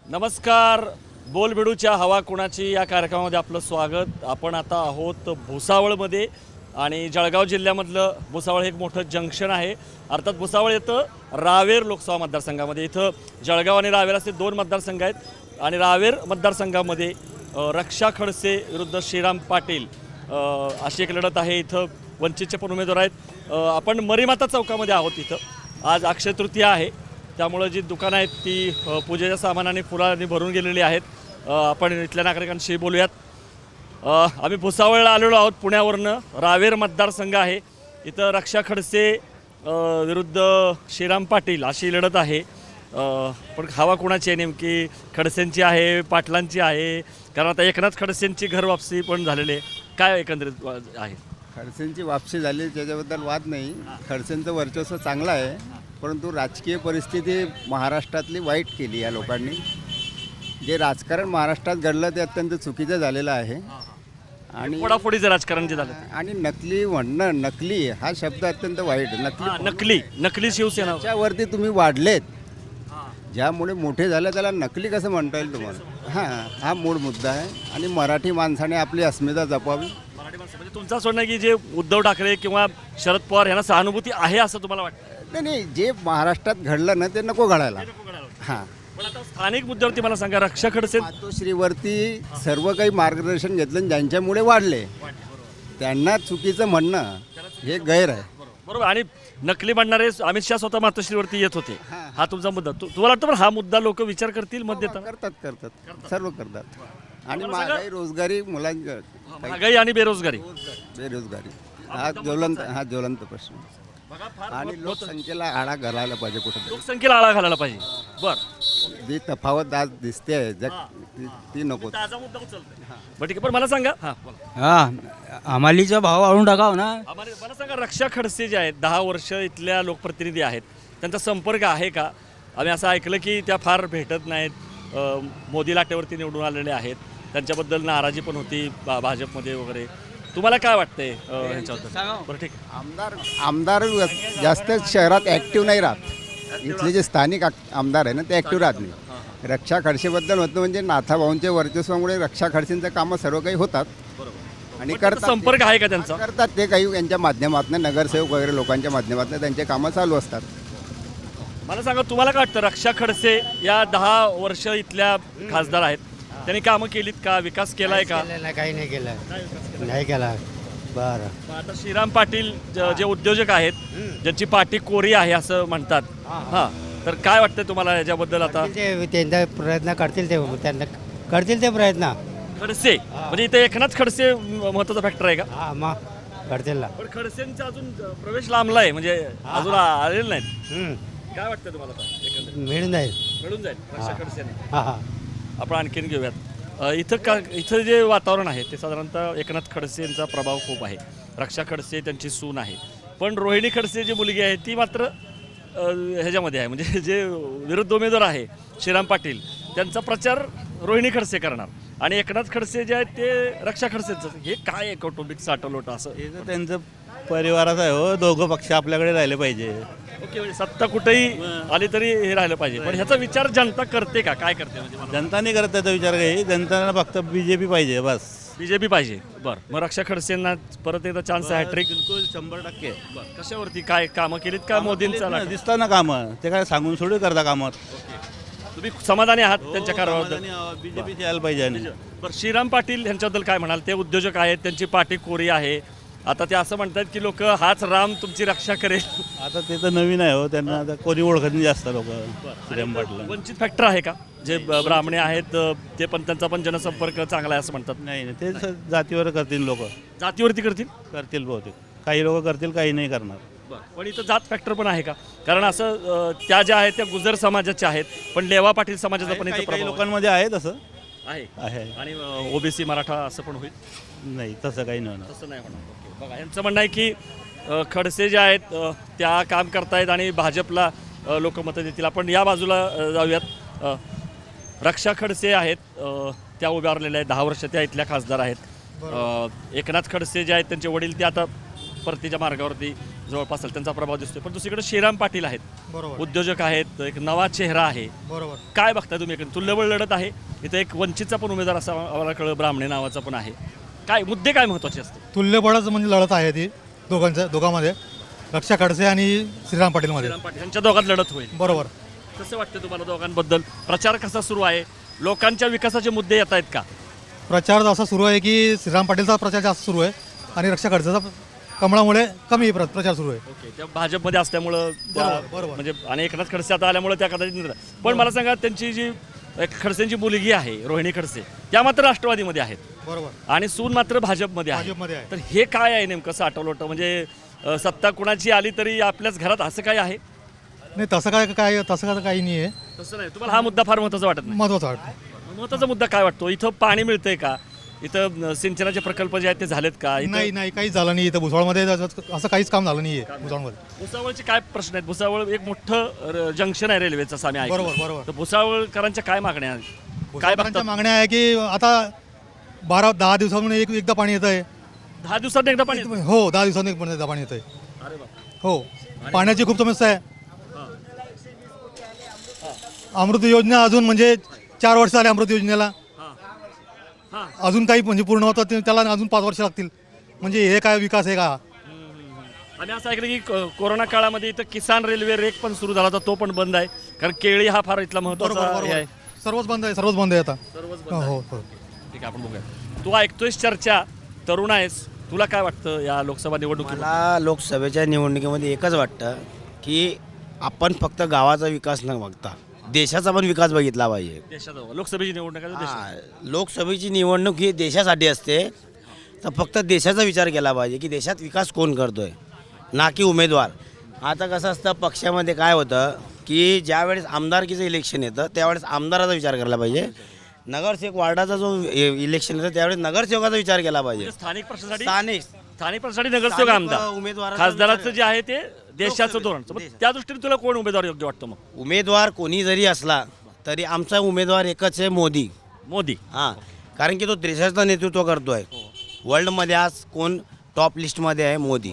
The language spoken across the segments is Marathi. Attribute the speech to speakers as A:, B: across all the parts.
A: नमस्कार. बोलबिडूच्या हवा कुणाची या कार्यक्रमामध्ये आपलं स्वागत. आपण आता आहोत भुसावळमध्ये आणि जळगाव जिल्ह्यामधलं भुसावळ हे एक मोठं जंक्शन आहे. अर्थात भुसावळ येतं रावेर लोकसभा मतदारसंघामध्ये. इथं जळगाव आणि रावेर असे दोन मतदारसंघ आहेत आणि रावेर मतदारसंघामध्ये रक्षा खडसे विरुद्ध श्रीराम पाटील अशी एक लढत आहे. इथं वंचितचे पण उमेदवार आहेत. आपण मरीमाता चौकामध्ये आहोत. इथं आज अक्षय तृतीया आहे, त्यामुळं जी दुकानं आहेत ती पूजेच्या सामानाने फुलांनी भरून गेलेली आहेत. आपण इथल्या नागरिकांशी बोलूयात. आम्ही भुसावळला आलेलो आहोत पुण्यावरनं. रावेर मतदारसंघ आहे. इथं रक्षा खडसे विरुद्ध श्रीराम पाटील अशी लढत आहे. पण हवा कुणाची आहे नेमकी? खडसेंची आहे, पाटलांची आहे? कारण आता एकनाथ खडसेंची घर वापसी पण झालेली आहे. काय एकंदरीत आहे?
B: खडसेंची वापसी झाली त्याच्याबद्दल वाद नाही. खडसेंचं वर्चस्व चांगलं आहे, परंतु राजकीय परिस्थिती महाराष्ट्रातली वाईट केली या लोकांनी. जे राजकारण महाराष्ट्रात घडलं ते अत्यंत चुकीचं झालेलं आहे. आणि
A: फोडाफोडीचं राजकारण जे झालं
B: आणि नकली म्हणणं, नकली हा शब्द अत्यंत वाईट.
A: नकली शिवसेना
B: त्याच्यावरती तुम्ही वाढलेत, ज्यामुळे मोठे झाले त्याला नकली कसं म्हणता येईल तुम्हाला? हा मूळ मुद्दा आहे. आणि मराठी माणसाने आपली अस्मिता जपावी.
A: म्हणजे तुमचं असं म्हणणं की जे उद्धव ठाकरे किंवा शरद पवार यांना सहानुभूती आहे असं तुम्हाला वाटतं?
B: नाही, जे महाराष्ट्रात घडलं ना ते नको घडायला. हां,
A: पण आता स्थानिक मुद्द्यावरती मला सांगा, रक्षा खडसे
B: मातोश्रीवरती सर्व काही मार्गदर्शन घेतलं आणि ज्यांच्यामुळे वाढले त्यांना चुकीचं म्हणणं हे गैर आहे.
A: बरोबर. आणि नकली म्हणणारे अमित शहा स्वतः मातोश्रीवरती येत होते. हा तुमचा मुद्दा. तुम्हाला वाटतं पण हा मुद्दा लोक विचार करतील मत देताना?
B: करतात सर्व करतात. आणि महागाई, रोजगारी, मुलांची
A: महागाई आणि बेरोजगारी
B: हा ज्वलंत प्रश्न. आणि लोकसंख्येला आळा घालायला पाहिजे कुठे.
A: लोकसंख्येला आळा घालायला पाहिजे. बर,
B: जी तफावत आज दिसते ती नको.
A: बरं ठीक आहे. पण मला सांगा,
C: हमालीचा भाव वाढवून टाकाव ना.
A: मला सांगा, रक्षा खडसे जे आहेत 10 वर्ष इथल्या लोकप्रतिनिधी आहेत, त्यांचा संपर्क आहे का? आम्ही असं ऐकलं की त्या फार भेटत नाहीत. मोदी लाटेवरती निवडून आलेले आहेत, त्यांच्याबद्दल नाराजी पण होती भाजपमध्ये वगैरे. तुम्हाला काय वाटतंय ह्यांच्याबद्दल? बरं ठीक आहे.
B: आमदार जास्त शहरात ॲक्टिव्ह नाही राहत. इथले जे स्थानिक आमदार आहे ना ते ॲक्टिव्ह राहत नाही. रक्षा खडसेबद्दल होतं म्हणजे नाथाभाऊंच्या वर्चस्वामुळे रक्षा खडसेंचं कामं सर्व काही होतात आणि करतात.
A: संपर्क आहे का त्यांचा?
B: करतात ते काही यांच्या माध्यमातून, नगरसेवक वगैरे लोकांच्या माध्यमातून त्यांचे कामं चालू असतात.
A: मला सांगा, तुम्हाला काय वाटतं, रक्षा खडसे या 10 वर्ष इथल्या खासदार आहेत, त्यांनी कामं केलीत का? विकास केलाय का?
C: काही नाही केलं, नाही केला. बरं,
A: आता श्रीराम पाटील जे उद्योजक आहेत, ज्यांची पाठी कोरी आहे असं म्हणतात, तर काय वाटतं तुम्हाला याच्याबद्दल? आता
C: ते त्यांचा प्रयत्न करतील, त्यांना करतील ते प्रयत्न.
A: खडसे म्हणजे इथे एकनाथ खडसे महत्वाचा फॅक्टर आहे का?
C: हा, मग करतील ना.
A: पण खडसेंचा अजून प्रवेश लांबला आहे, म्हणजे अजून आलेले नाहीत. काय वाटतं तुम्हाला आता एकंदरीत?
C: मिळून जाईल,
A: मिळून जाईल रक्षा खडसेने.
C: हा.
A: आपण आणखीन घेऊयात. इथं जे वातावरण आहे ते साधारणतः एकनाथ खडसे यांचा प्रभाव खूप आहे. रक्षा खडसे त्यांची सून आहे, पण रोहिणी खडसे जी मुलगी आहे ती मात्र ह्याच्यामध्ये आहे. म्हणजे जे विरुद्ध उमेदवार आहे श्रीराम पाटील, त्यांचा प्रचार रोहिणी खडसे करणार आणि एकनाथ खडसे जे आहेत ते रक्षा खडसेंचं. हे काय आहे कौटुंबिक साठवलोट असं?
D: हे तर त्यांचं परिवाराचं आहे हो. दोघं पक्ष आपल्याकडे राहिले पाहिजे.
A: ओके, म्हणजे सत्ता कुठेही आली तरी हे राहिलं पाहिजे. पण ह्याचा विचार जनता करते का? काय करते म्हणजे?
D: जनता नाही करत त्याचा विचार काही. जनताना फक्त बीजेपी पाहिजे बस.
A: बीजेपी पाहिजे. बरं, मग रक्षा खडसेंना परत एकदा चान्स आहे, हॅट्रिक?
D: बिलकुल 100%.
A: कशावरती काय कामं केलीत का मोदींचा?
D: दिसतात ना कामं, ते काय सांगून सोडून करता कामं.
A: तुम्ही समाधानी आहात त्यांच्या कारभाराबद्दल?
D: बीजेपीची यायला पाहिजे. आणि
A: बरं, श्रीराम पाटील यांच्याबद्दल काय म्हणाल? ते उद्योजक आहेत, त्यांची पाठी कोरी आहे. आता ते असं म्हणतात की लोक हाच राम तुमची रक्षा करेल.
D: आता ते तर नवीन आहे हो, त्यांना आता कोणी ओळखत नाही जास्त लोक. श्रीराम पाटील
A: वंचित फॅक्टर आहे का? जे ब्राह्मणे आहेत ते पण, त्यांचा पण जनसंपर्क चांगला आहे असं म्हणतात.
D: नाही, ते जातीवर करतील लोक.
A: जातीवरती
D: करतील बहुतेक. काही लोक करतील, काही नाही करणार.
A: पण इथं जात फॅक्टर पण आहे का? कारण असं त्या ज्या आहेत त्या गुजर समाजाच्या आहेत, पण लेवा पाटील समाजाचा पण इथं
D: काही
A: प्रभाव
D: लोकांमध्ये आहे तसं
A: आहे. आणि ओबीसी मराठा असं पण होईल?
D: नाही, तसं काही नाही होणार.
A: तसं नाही होणार. बघा, यांचं म्हणणं आहे की खडसे जे आहेत त्या काम करतायत आणि भाजपला लोक मतं देतील. आपण या बाजूला जाऊयात. रक्षा खडसे आहेत, त्या उभारलेल्या आहेत 10 वर्ष, त्या इथल्या खासदार आहेत. एकनाथ खडसे जे आहेत त्यांचे वडील ते आता परतीच्या मार्गावरती जवळपास असेल, त्यांचा प्रभाव दिसतोय. पण दुसरीकडे श्रीराम पाटील आहेत,
E: बरोबर
A: उद्योजक आहेत, एक नवा चेहरा आहे.
E: बरोबर.
A: काय बघताय तुम्ही? एक तुल्यबळ लढत आहे इथं. एक वंचितचा पण उमेदवार असा आम्हाला कळलं, ब्राह्मणे नावाचा पण आहे. काय मुद्दे काय महत्त्वाचे असते?
E: तुल्यबळच म्हणजे लढत आहे ती दोघांमध्ये, रक्षा खडसे आणि श्रीराम पाटीलमध्ये.
A: श्रीराम पाटील यांच्या दोघात लढत होईल.
E: बरोबर.
A: कसं वाटतं तुम्हाला दोघांबद्दल? प्रचार कसा सुरू आहे? लोकांच्या विकासाचे मुद्दे येत आहेत का?
E: प्रचार असा सुरू आहे की श्रीराम पाटीलचा प्रचार जास्त सुरू आहे आणि रक्षा खडसेचा कमळामुळे कमी प्रचार सुरू आहे.
A: ओके, त्या भाजपमध्ये असल्यामुळं
E: बरोबर, बरोबर.
A: म्हणजे आणि एकनाथ खडसे आता आल्यामुळे त्या कदाचित. पण मला सांगा, त्यांची जी एक खडसेंची मुलगी आहे रोहिणी खडसे, त्या मात्र राष्ट्रवादीमध्ये आहेत
E: बरोबर.
A: आणि सून मात्र भाजपमध्ये आहे.
E: भाजपमध्ये आहे.
A: तर हे काय आहे नेमकं साठवलोटं? म्हणजे सत्ता कुणाची आली तरी आपल्याच घरात असं काय आहे?
E: नाही तसं काय काही नाही आहे.
A: तसं नाही. तुम्हाला हा मुद्दा फार महत्त्वाचा वाटत नाही?
E: महत्त्वाचं वाटतं.
A: महत्त्वाचा मुद्दा काय वाटतो? इथं पाणी मिळतंय का? इथं सिंचनाचे प्रकल्प जे आहेत ते झालेत का?
E: नाही नाही काहीच झालं नाही इथं भुसावळमध्ये, असं काहीच काम झालं नाही आहे भुसावळमध्ये.
A: भुसावळचे काय प्रश्न आहेत? भुसावळ एक मोठं जंक्शन आहे रेल्वेचं, असं आम्ही ऐकलं.
E: बरोबर, बरोबर.
A: तर भुसावळकरांच्या काय मागण्या आहेत? काय
E: भुसावळकरांच्या
A: बघतात?
E: मागण्या आहे की आता 10 दिवसांनी एकदा पाणी येत आहे.
A: 10 दिवसात एकदा पाणी येतं?
E: हो 10 दिवसांनी एकदा पाणी येत आहे.
A: अरे बाप.
E: हो पाण्याची खूप समस्या आहे. अमृत योजना अजून म्हणजे 4 वर्ष झाले अमृत योजनेला,
A: हां.
E: अजून काही म्हणजे पूर्ण होतं त्याला अजून 5 वर्ष लागतील. म्हणजे हे काय विकास आहे का?
A: आणि असं ऐकलं की कोरोना काळामध्ये इथं किसान रेल्वे रेक पण सुरू झाला होता, तो पण बंद आहे. कारण केळी हा फार इथला महत्त्वाचा हे आहे.
E: सर्वच बंद आहे आता.
A: सर्वच
E: हो
A: बंद आहे.
E: हो हो.
A: ठीक आहे, आपण बघूया. तू ऐकतोयस चर्चा, तरुण आहेस, तुला काय वाटतं या लोकसभा निवडणुकीत?
F: मला लोकसभेच्या निवडणुकीमध्ये एकच वाटतं की आपण फक्त गावाचा विकास न बघता देशाचा पण विकास बघितला पाहिजे.
A: देशात लोकसभेची निवडणूक आहे, देशात.
F: हां, लोकसभेची निवडणूक ही देशासाठी असते, तर फक्त देशाचा विचार केला पाहिजे की देशात विकास कोण करतोय, ना की उमेदवार. आता कसं असतं पक्षामध्ये काय होतं की ज्यावेळेस आमदारकीचं इलेक्शन येतं त्यावेळेस आमदाराचा विचार करायला पाहिजे. नगरसेवक वार्डाचा जो इलेक्शन येतं त्यावेळेस नगरसेवकाचा विचार केला पाहिजे.
A: म्हणजे स्थानिक प्रश्नासाठी
F: स्थानिक
A: प्रश्नासाठी नगरसेवक
F: स्थानिक,
A: आमदार
F: उमेदवाराचा
A: खासदाराचं
F: विचार-
A: जे आहे ते देशाचं
F: लोकसभेचं,
A: धोरण. मग
F: देशाचं.
A: त्या दृष्टीने तुला कोण उमेदवार योग्य वाटतो? मग
F: उमेदवार कोणी जरी असला तरी आमचा उमेदवार एकच आहे, मोदी.
A: मोदी.
F: हां, कारण की तो देशाचं नेतृत्व करतो आहे. वर्ल्डमध्ये आज कोण टॉप लिस्टमध्ये आहे? मोदी.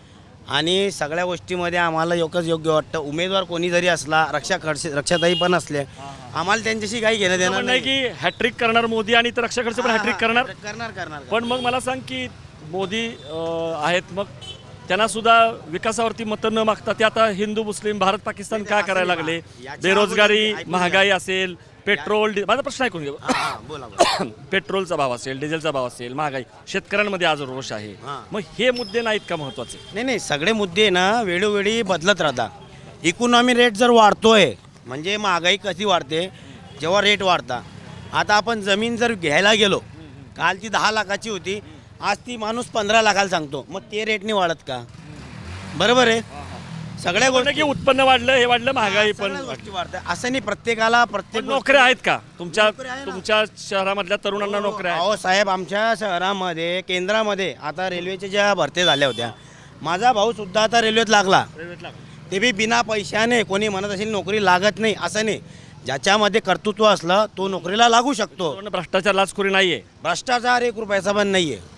F: आणि सगळ्या गोष्टीमध्ये आम्हाला एकच योग्य वाटतं, उमेदवार कोणी जरी असला, रक्षाताई पण असले, आम्हाला त्यांच्याशी काही घेणं देणार
A: नाही की हॅट्रिक करणार मोदी आणि तर रक्षा खडसे पण हॅट्रिक करणार.
F: करणार.
A: पण मग मला सांग की मोदी आहेत, मग त्यांना सुद्धा विकासावरती मतं न मागता ते आता हिंदू मुस्लिम भारत पाकिस्तान का करायला लागले? बेरोजगारी, महागाई असेल, पेट्रोल, माझा प्रश्न ऐकून घे.
F: बोला.
A: पेट्रोलचा भाव असेल, डिझेलचा भाव असेल, महागाई, शेतकऱ्यांमध्ये आज रोष आहे.
F: हां.
A: मग हे मुद्दे नाहीत का महत्वाचे?
F: नाही सगळे मुद्दे ना वेळोवेळी बदलत राहतात. इकॉनॉमी रेट जर वाढतोय म्हणजे महागाई कशी वाढते जेव्हा रेट वाढता. आता आपण जमीन जर घ्यायला गेलो, काल ती 10 लाखाची होती, आज ती माणूस 15 लाखाला सांगतो, मग ते रेटने वाढत का? बरोबर आहे. सगळ्या
A: म्हणणं की उत्पन्न वाढलं, हे वाढलं, महागाई पण
F: सगळ्या गोष्टी वाढतात. असं नाही प्रत्येकाला प्रत्येक
A: पण नोकऱ्या आहेत का
F: नोकऱ्या आहे ना.
A: तुमच्या शहरामधल्या तरुणांना? नोकऱ्या आहेत?
F: अहो साहेब, आमच्या शहरामध्ये केंद्रामध्ये आता रेल्वेच्या ज्या भरत्या झाल्या होत्या, माझा भाऊ सुद्धा आता रेल्वेत लागला. ते बी बिना पैशाने. कोणी म्हणत असेल नोकरी लागत नाही, असं नाही. ज्याच्यामध्ये कर्तृत्व असलं तो नोकरीला लागू शकतो.
A: पण भ्रष्टाचार, लाचखोरी नाहीये.
F: भ्रष्टाचार 1 रुपयाचा पण नाही आहे.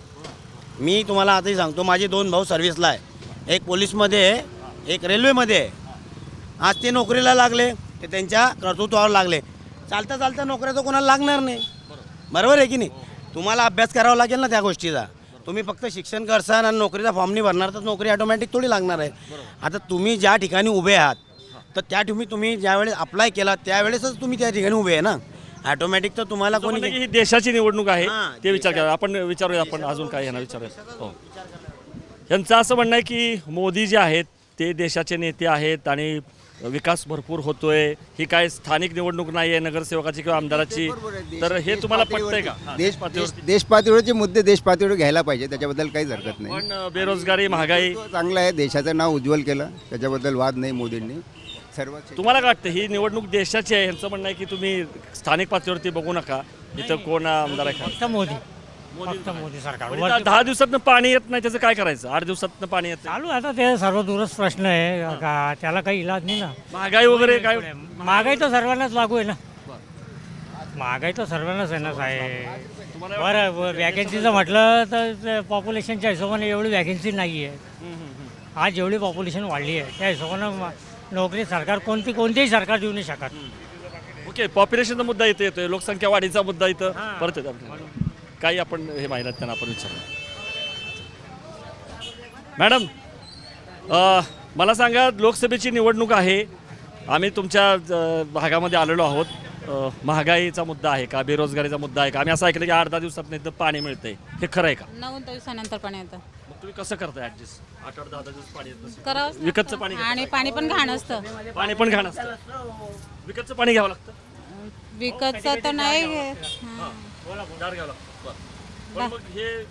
F: मी तुम्हाला आताही सांगतो, माझे 2 भाऊ सर्व्हिसला आहे, एक पोलीसमध्ये आहे, एक रेल्वेमध्ये आहे. आज ते नोकरीला लागले, ते त्यांच्या कर्तृत्वावर लागले. चालता नोकऱ्या तर कोणाला लागणार नाही. बरोबर आहे की नाही? तुम्हाला अभ्यास करावा लागेल ना त्या गोष्टीचा. तुम्ही फक्त शिक्षण करसान आणि नोकरीचा फॉर्म नाही भरणार तर नोकरी ऑटोमॅटिक थोडी लागणार आहे. आता तुम्ही ज्या ठिकाणी उभे आहात तर त्या तुम्ही ज्यावेळेस अप्लाय केला त्यावेळेसच तुम्ही त्या ठिकाणी उभे आहे ना. ऑटोमॅटिक तर तुम्हाला
A: असं म्हणणं
F: कोणी
A: की ही देशाची निवडणूक आहे,
F: हां,
A: ते विचार करा. आपण विचारूया, आपण अजून काय यांना विचारूया. हो, यांचं असं म्हणणं आहे की मोदी जे आहेत ते देशाचे नेते आहेत आणि विकास भरपूर होतोय. ही काय स्थानिक निवडणूक नाही आहे नगरसेवकाची किंवा आमदाराची. तर हे तुम्हाला पटतंय का? हां,
B: देशपातळीवरचे मुद्दे देशपातळीवर घ्यायला पाहिजे, त्याच्याबद्दल काहीच हरकत नाही.
A: पण बेरोजगारी, महागाई,
B: चांगलं आहे, देशाचं नाव उज्ज्वल केलं, त्याच्याबद्दल वाद नाही. मोदींनी सर्व
A: तुम्हाला काय वाटतं? ही निवडणूक देशाची आहे, यांचं म्हणणं आहे की तुम्ही स्थानिक पातळीवरती बघू नका, इथं कोण आमदार आहे का?
C: फक्त मोदी, फक्त मोदी सरकार.
A: पण इथं 10 दिवसातनं पाणी येत नाही, त्याचं काय करायचं? 8 दिवसातनं पाणी येत नाही.
C: चालू आहे आता ते सर्वदूरच प्रश्न आहे का, त्याला काही इलाज नाही ना.
A: महागाई वगैरे काय?
C: महागाई तर सर्वांनाच लागू आहे ना. महागाई तर सर्वांनाच आहे ना साहेब. बरं वॅकन्सीचं म्हटलं तर पॉप्युलेशनच्या हिशोबाने एवढी वॅकन्सी नाही आहे. आज जेवढी पॉप्युलेशन वाढली आहे त्या हिशोबानं नोकरी सरकार कोणतेही सरकार देऊ नाही शकत.
A: ओके, पॉप्युलेशनचा मुद्दा इथे येतोय, लोकसंख्या वाढीचा मुद्दा इथं परत येतो आपल्याला. काही आपण हे महिन्यात त्यांना आपण विचारलं. मॅडम, मला सांगा, लोकसभेची निवडणूक आहे, आम्ही तुमच्या भागामध्ये आलेलो आहोत. महागाईचा मुद्दा आहे का, बेरोजगारीचा मुद्दा आहे का? आम्ही असं ऐकलं की 8-10 दिवसात नाही तर पाणी मिळतंय, हे खरं आहे का?
G: 9 दिवसानंतर पाणी येतं.
A: मग तुम्ही कसं करताय ॲडजस्ट? 8-10 दिवस पाणी येत नसेल.
G: करावंच
A: विकतचं
G: लागतं.
A: पाणी
G: आणि पाणी पण घाण असतं.
A: पाणी पण घाण असतं, विकतचं पाणी घ्यावं लागतं.
G: विकतचं तर नाही.
A: गार घ्यावं लागतं. बरं. पण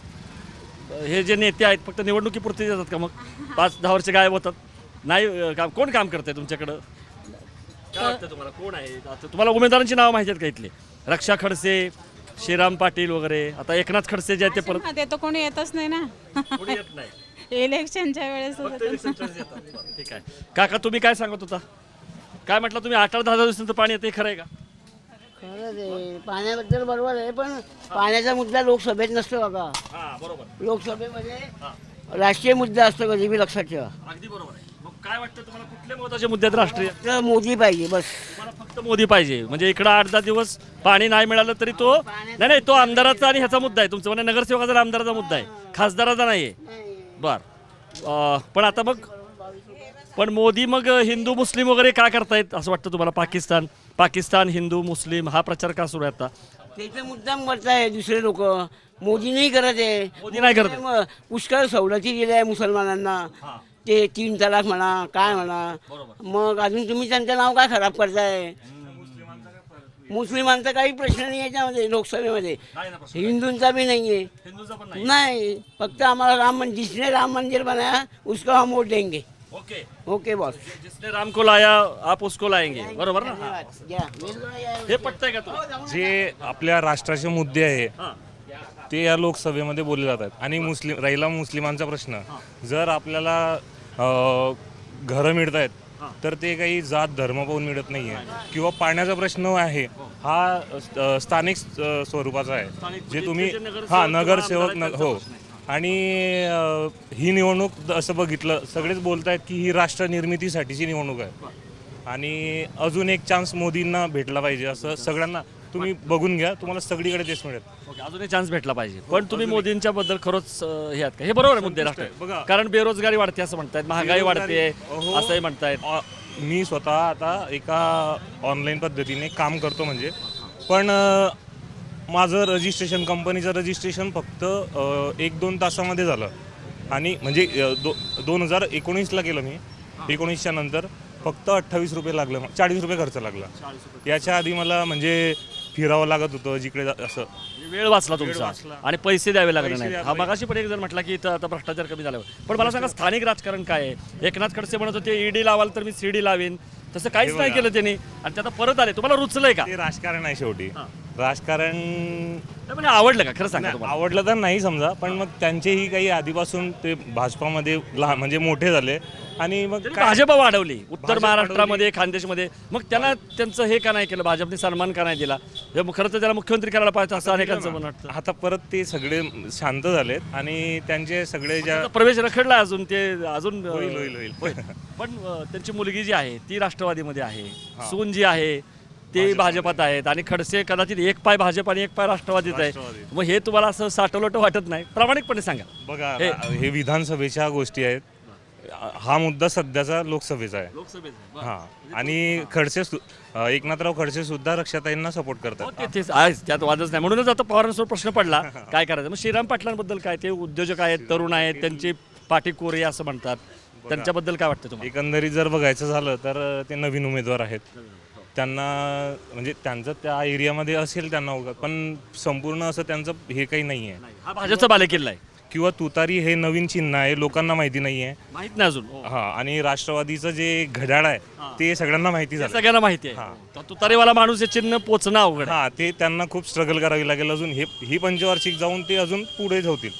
A: मग हे जे नेते आहेत फक्त निवडणुकीपुरते येतात का? मग 5-10 वर्ष गायब होतात, नाही काम. कोण काम करतंय तुमच्याकडं? काय वाटतं तुम्हाला, कोण आहे? आता तुम्हाला उमेदवारांची नावं माहिती आहेत का इथले? रक्षा खडसे, श्रीराम पाटील वगैरे. आता एकनाथ खडसे जे आहेत ते परत
G: ते तर कोणी येतच नाही ना.
A: कोणी येत नाही.
G: इलेक्शनच्या वेळेस
A: फक्त इलेक्शनच्याच येतात. बरं, ठीक आहे. काका, तुम्ही काय सांगत होता? काय म्हटलं तुम्ही? 8-10 दिवसांचं पाणी येते, खरं आहे का?
H: खरंच आहे, पाण्याबद्दल बरोबर आहे, पण पाण्याचा मुद्दा लोकसभेत नसतो बघा.
A: हां, बरोबर.
H: लोकसभेमध्ये राष्ट्रीय मुद्दा असतो, कधी बी लक्षात ठेवा.
A: अगदी बरोबर आहे. मग काय वाटतं तुम्हाला, कुठले महत्त्वाचे मुद्दे आहेत राष्ट्रीय?
H: तर मोदी पाहिजे बस.
A: तुम्हाला फक्त मोदी पाहिजे, म्हणजे इकडं 8-10 दिवस पाणी नाही मिळालं तरी तो नाही, तो आमदाराचा आणि ह्याचा मुद्दा आहे तुमचा, म्हणजे नगरसेवकाचा आणि आमदाराचा मुद्दा आहे, खासदाराचा नाही आहे. बर. पण आता मग मोदी मग हिंदू मुस्लिम वगैरे काय करतायत असं वाटतं तुम्हाला? पाकिस्तान हिंदू मुस्लिम हा प्रचार का सुरू आहे आता?
H: त्याचा मुद्दाम करताय दुसरे लोक. मोदी नाही करत आहे.
A: मोदी नाही करत आहे.
H: मग पुष्कळ सवलती दिल्या आहे मुसलमानांना. ते 3 तलाक म्हणा, काय म्हणा. मग अजून तुम्ही त्यांचं नाव काय खराब करताय? मुस्लिमांचा काही प्रश्न नाही याच्यामध्ये लोकसभेमध्ये. हिंदूंचा बी नाही आहे.
A: हिंदूचा पण नाही.
H: नाही, फक्त आम्हाला राम मंदिर, जिसने राम मंदिर बनाया उसको हम वोट देंगे.
A: Okay,
H: okay boss.
A: जिसने राम को लाया आप उसको लाएंगे, बरोबर ना?
H: घ्या.
A: हे पटतंय का तुला?
I: जे आपल्या राष्ट्राचे मुद्दे आहे
A: हां.
I: ते या लोकसभेमध्ये बोलले जातात. आणि राहिला मुस्लिमांचा प्रश्न, जर आपल्याला घरं मिळत आहेत तर ते काही जात धर्म पाहून मिळत नाही आहे. किंवा पाण्याचा प्रश्न आहे हा स्थानिक स्वरूपाचा आहे, जे तुम्ही नगरसेवक हो. आणि ही निवडणूक असं बघितलं सगळेच बोलत आहेत की ही राष्ट्र निर्मितीसाठीची निवडणूक आहे आणि अजून एक चान्स मोदींना भेटला पाहिजे असं सगळ्यांना. तुम्ही बघून घ्या, तुम्हाला सगळीकडे तेच मिळेल.
A: ओके, अजून एक चान्स भेटला पाहिजे. पण तुम्ही मोदींच्या बद्दल खरंच हे आहेत का? हे बरोबर आहे मुद्दे राष्ट्र, कारण बेरोजगारी वाढते असं म्हणतायत, महागाई वाढते असंही म्हणतायत.
I: मी स्वतः आता एका ऑनलाईन पद्धतीने काम करतो, म्हणजे पण माझं रजिस्ट्रेशन, कंपनीचं रजिस्ट्रेशन फक्त 1-2 तासामध्ये झालं. आणि म्हणजे 2019ला केलं मी. 19च्या नंतर फक्त 28 रुपये लागलं, 40 रुपये खर्च लागला. याच्या आधी मला म्हणजे फिरावं लागत होतं जिकडे असं.
A: वेळ वाचला तुमचा आणि पैसे द्यावे लागले नाही. हा मगाशी पण एक जण म्हटला की इथं आता भ्रष्टाचार कमी झाला. पण मला सांगा, स्थानिक राजकारण काय आहे? एकनाथ खडसे म्हणत होते ईडी लावाल तर मी सीडी लावेन, तसं काहीच नाही केलं त्यांनी आणि ते आता परत आले. तुम्हाला रुचलंय का?
I: ते राजकारण आहे शेवटी. राजकारण
A: म्हणजे आवडलं का? खरं सांगा तुम्हाला.
I: आवडलं तर नाही समजा, पण मग त्यांचेही काही आधीपासून ते भाजपामध्ये लहान म्हणजे मोठे झाले आणि मग
A: भाजप वाढवली उत्तर महाराष्ट्रामध्ये, खानदेशमध्ये. मग त्यांचं हे का नाही केलं? भाजपने सन्मान का नाही दिला? खरं तर त्याला मुख्यमंत्री करायला पाहिजे असं अनेकांचं म्हणणं वाटतं.
I: आता परत ते सगळे शांत झालेत आणि त्यांचे सगळे ज्या
A: प्रवेश रखडला अजून ते अजून
I: होईल.
A: पण त्यांची मुलगी जी आहे ती राष्ट्रवादीमध्ये आहे, सून जी आहे ते भाजपात आहेत आणि खडसे कदाचित एक पाय भाजप आणि एक पाय राष्ट्रवादीत आहे. मग हे तुम्हाला असं साठवलोट वाटत नाही? प्रामाणिकपणे सांगा.
I: बघा, हे विधानसभेच्या गोष्टी आहेत. हा मुद्दा सध्याचा लोकसभेचा आहे. हा, आणि एकनाथराव खडसे सुद्धा रक्षाताईंना सपोर्ट करतात.
A: त्यात वादच नाही. म्हणूनच आता पवारांसमोर प्रश्न पडला काय करायचं. मग श्रीराम पाटलांबद्दल काय? ते उद्योजक आहेत, तरुण आहेत, त्यांची पाठी कोरी असं म्हणतात, त्यांच्याबद्दल काय वाटतं तुम्हाला?
I: एकंदरीत जर बघायचं झालं तर ते नवीन उमेदवार आहेत. त्यांना म्हणजे त्यांचं त्या एरियामध्ये असेल त्यांना, पण संपूर्ण असं त्यांचं हे काही नाही आहे.
A: हा भाजपचा बालेकिल्ला आहे.
I: किंवा तुतारी हे नवीन चिन्ह आहे, लोकांना माहिती नाही आहे.
A: माहित नाही अजून.
I: हा, आणि राष्ट्रवादीचं जे घड्याळ आहे ते सगळ्यांना माहिती झालं.
A: सगळ्यांना माहिती आहे. तुतारीवाला माणूस हे चिन्ह पोचणं अवघड.
I: हा, ते त्यांना खूप स्ट्रगल करावी लागेल अजून. ही पंचवार्षिक जाऊन ते अजून पुढे जातील.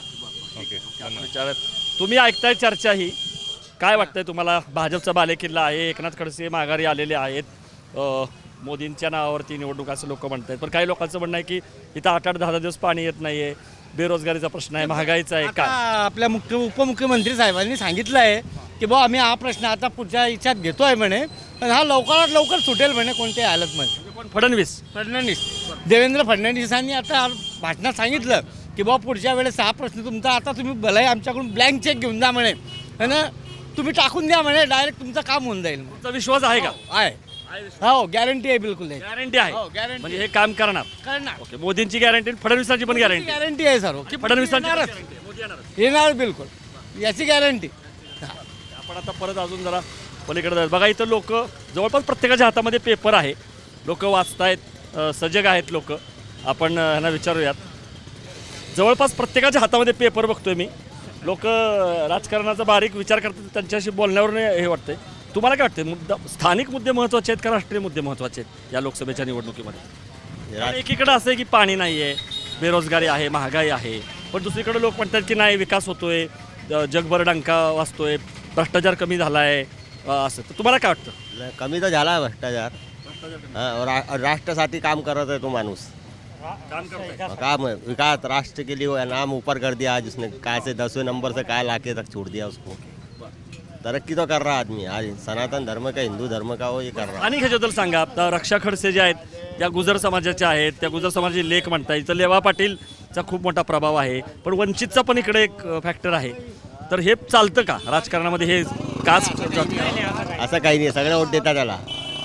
A: ओके, तुम्ही ऐकताय चर्चा ही. काय वाटतंय तुम्हाला? भाजपचा बालेकिल्ला आहे, एकनाथ खडसे माघारी आलेले आहेत, मोदींच्या नावावरती निवडणूक असं लोक म्हणतात. पण काही लोकांचं म्हणणं आहे की इथं 8-8, 10 दिवस पाणी येत नाही आहे, बेरोजगारीचा प्रश्न आहे, महागाईचा आहे. काय
F: आपल्या उपमुख्यमंत्री साहेबांनी सांगितलं आहे की बुवा आम्ही हा प्रश्न आता पुढच्या ह्याच्यात घेतो आहे म्हणे, पण हा लवकरात लवकर सुटेल म्हणे कोणत्याही हालतमध्ये.
A: पण फडणवीस
F: देवेंद्र फडणवीसांनी आता भाषणात सांगितलं की बुवा पुढच्या वेळेस हा प्रश्न तुमचा आता तुम्ही भलाही आमच्याकडून ब्लँक चेक घेऊन जा म्हणे, है ना, तुम्ही टाकून द्या म्हणे, डायरेक्ट तुमचं काम होऊन जाईल.
A: तुमचा विश्वास आहे का?
F: आहे, हो, गॅरंटी आहे, बिलकुल आहे.
A: गॅरंटी आहे,
F: हो, guarantee.
A: म्हणजे हे काम करणार.
F: करणार.
A: ओके, मोदींची गॅरंटी, फडणवीसांची पण गॅरंटी,
F: गॅरंटी आहे सर, की
A: फडणवीसांची
F: येणारच.
A: guarantee आहे. मोदी येणारच.
F: येणार बिलकुल, याची गॅरंटी.
A: आपण आता परत अजून जरा पलीकडे जाऊ. बघा इथं लोक जवळपास प्रत्येकाच्या हातामध्ये पेपर आहे, लोक वाचतायत, सजग आहेत लोक. आपण ह्यांना विचारूयात. जवळपास प्रत्येकाच्या हातामध्ये पेपर बघतोय मी. लोक राजकारणाचा बारीक विचार करतात, त्यांच्याशी बोलण्यावरून हे वाटतंय. तुम्हाला काय वाटतं, मुद्दा स्थानिक मुद्दे महत्त्वाचे आहेत का राष्ट्रीय मुद्दे महत्त्वाचे आहेत या लोकसभेच्या निवडणुकीमध्ये? कारण एकीकडे असं आहे की पाणी नाही आहे, बेरोजगारी आहे, महागाई आहे, पण दुसरीकडे लोक म्हणतात की नाही विकास होतोय, जगभर डंका वाजतोय, भ्रष्टाचार कमी झाला आहे, असं. तर तुम्हाला काय वाटतं?
J: कमी तर झाला आहे भ्रष्टाचार. राष्ट्रासाठी काम करत आहे तो माणूस.
A: काम करताय.
J: काम विकास राष्ट्र के लिए नाम ऊपर कर दिया आज उसने, काय से 10वें नंबर से काय लाके तक छोड़ दिया उसको. तरक्की तो कर रहा आदमी. आज सनातन धर्म का, हिंदू धर्म का वो ये कर रहा.
A: आणि ह्याच्याबद्दल सांगा. आता रक्षा खडसे जे आहेत त्या गुजर समाजाच्या आहेत, त्या गुजर समाजाचे लेख म्हणता. इथं लेवा पाटीलचा खूप मोठा प्रभाव आहे, पण वंचितचा पण इकडे एक फॅक्टर आहे. तर हे चालतं का राजकारणामध्ये? हे कास्ट
J: असं काही नाही, सगळं वोट देतात त्याला.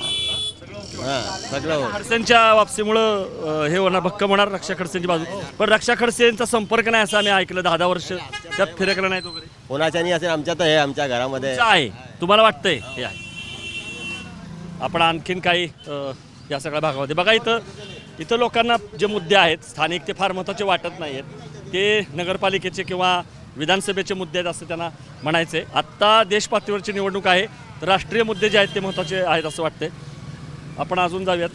J: हां, सगळं
A: खडसेंच्या वापसीमुळं हे होणार, भक्कम होणार रक्षा खडसेंची बाजू. पण रक्षा खडसेंचा संपर्क नाही असं आम्ही ऐकलं. 10 वर्ष त्यात फिरकलं नाही वगैरे.
J: कोणाच्या नाही असेल, आमच्या तर हे आमच्या घरामध्ये
A: तुमचं आहे, तुम्हाला वाटतंय हे आहे. आपण आणखीन काही या सगळ्या भागामध्ये बघा. इथं लोकांना जे मुद्दे आहेत स्थानिक, ते फार महत्त्वाचे वाटत नाही आहेत. ते नगरपालिकेचे किंवा विधानसभेचे मुद्दे आहेत असं त्यांना म्हणायचे. आत्ता देशपातळीवरची निवडणूक आहे, तर राष्ट्रीय मुद्दे जे आहेत ते महत्त्वाचे आहेत असं वाटतंय. आपण अजून जाऊयात.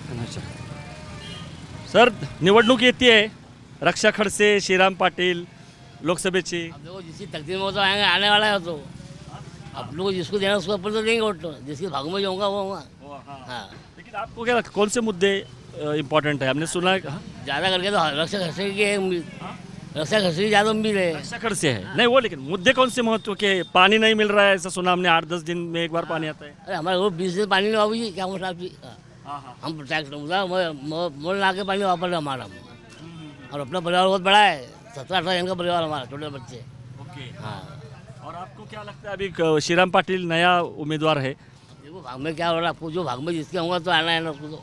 A: सर, निवडणूक येते आहे, रक्षा खडसे, श्रीराम पाटील, लोकसभेची.
H: देखो जिसकी तकदीर में तो आने वाला है, तो आप लोग जिसको देना उसको अपन तो देंगे वोट, तो जिसके भाग में जो होगा वो होगा. हाँ,
A: लेकिन आपको क्या लगता है कौन से मुद्दे इम्पोर्टेंट है? हमने सुना है. हाँ?
H: ज़्यादा करके तो रक्षा खर्चे की रक्षा खर्चे की ज़्यादा उम्मीद है.
A: रक्षा खडसे है नहीं वो, लेकिन मुद्दे कौन से महत्व के? पानी नहीं मिल रहा है ऐसा सुना हमने, 8-10 दिन में एक बार पानी आता है.
H: अरे हमारे वो 20 दिन पानी नहीं बाबू जी, क्या मतलब आपकी. हम टैक्स मोल ला के पानी वापर रहे हमारा. और अपना परिवार बहुत बड़ा है, 17-18 जन का परिवार हमारा, छोटे बच्चे.
A: ओके.
H: हाँ,
A: और आपको क्या लगता है अभी श्रीराम पाटिल नया उम्मीदवार है?
H: देखो भाग में क्या हो रहा है, आपको जो भाग में जिसके होगा तो आना है ना उसको. तो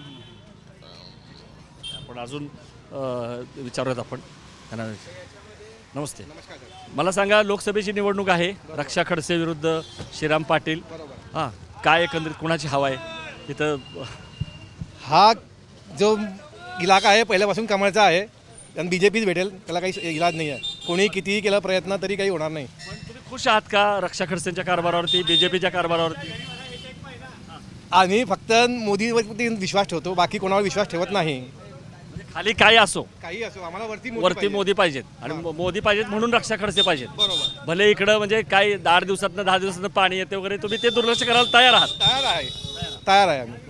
A: आपण अजून विचारूयात आपण त्यांना. नमस्ते. मला सांगा, लोकसभेची निवडणूक आहे, रक्षा खडसे विरुद्ध श्रीराम पाटील. हां, काय एकंदरीत कुणाची हवा आहे तिथं?
E: हा जो इलाका आहे पहिल्यापासून कमळचा आहे, आणि BJPच भेटेल, त्याला काही इलाज नाही आहे. कोणी कितीही केला प्रयत्न तरी काही होणार नाही.
A: पण तुम्ही खुश आहात का रक्षा खडसेंच्या कारभारावरती, BJPच्या कारभारावरती?
E: आम्ही फक्त मोदीवरती विश्वास ठेवतो, बाकी कोणावर विश्वास ठेवत नाही.
A: खाली काय असो,
E: काही असो, आम्हाला वरती
A: वरती मोदी पाहिजेत, आणि मोदी पाहिजेत म्हणून रक्षा खडसे पाहिजेत.
E: बरोबर,
A: भले इकडं म्हणजे काही 8 दिवसातनं 10 दिवसातनं पाणी येते वगैरे, तुम्ही ते दुर्लक्ष करायला तयार आहात?
E: तयार आहे आम्ही.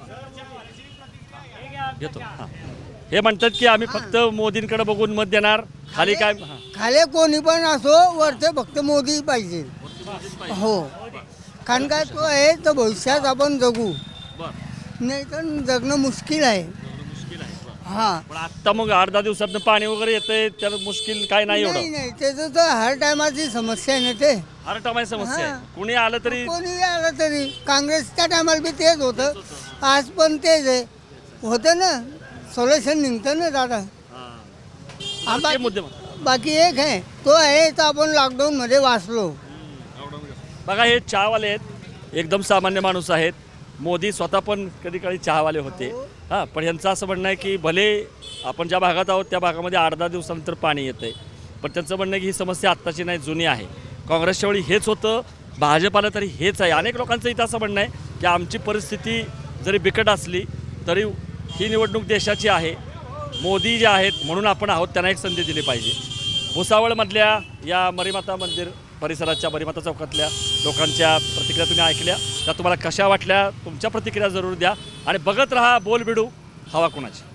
A: घेतो. हां, हे म्हणतात की आम्ही फक्त मोदींकडे बघून मत देणार, खाली काय. हां,
K: खाले कोणी पण असो, वरते फक्त मोदी पाहिजे. हो, कारण काय तो आहे तर भविष्यात आपण जगू, नाही तर जगणं मुश्किल आहे. हां,
A: पण आत्ता मग 8-10 दिवसातनं पाणी वगैरे येतंय, त्याला मुश्किल काय नाही
K: नाही
A: एवढं.
K: नाही, त्याचं तर हर टायमाची समस्या आहे ना. ते
A: हर टायमाची समस्या आहे, कुणी आलं तरी.
K: कोणी आलं तरी, काँग्रेसच्या टायमाला बी तेच होतं, आज पण तेच आहे. होतं ना, सोल्युशन निघतं ना दादा.
A: हां, ते मुद्दे
K: बाकी एक आहे, तो आहे तर आपण लॉकडाऊनमध्ये वाचलो.
A: बघा, हे चहावाले आहेत, एकदम सामान्य माणूस आहेत. मोदी स्वतः पण कधी काळी चहावाले होते. हां, पण यांचं असं म्हणणं आहे की भले आपण ज्या भागात आहोत त्या भागामध्ये 8-10 दिवसानंतर पाणी येतं आहे, पण त्यांचं म्हणणं आहे की ही समस्या आत्ताची नाही, जुनी आहे. काँग्रेसच्या वेळी हेच होतं, भाजपाला तरी हेच आहे. अनेक लोकांचं इथं असं म्हणणं आहे की आमची परिस्थिती जरी बिकट असली तरी ही निवडणूक देशाची आहे, मोदी जे आहेत म्हणून आपण आहोत, त्यांना एक संधी दिली पाहिजे. भुसावळमधल्या या मरीमाता मंदिर परिसराच्या बरीमाता चौकातल्या लोकांच्या प्रतिक्रिया तुम्ही ऐकल्या, त्या तुम्हाला कशा वाटल्या, तुमच्या प्रतिक्रिया जरूर द्या आणि बघत राहा बोलबिडू हवा कुणाची.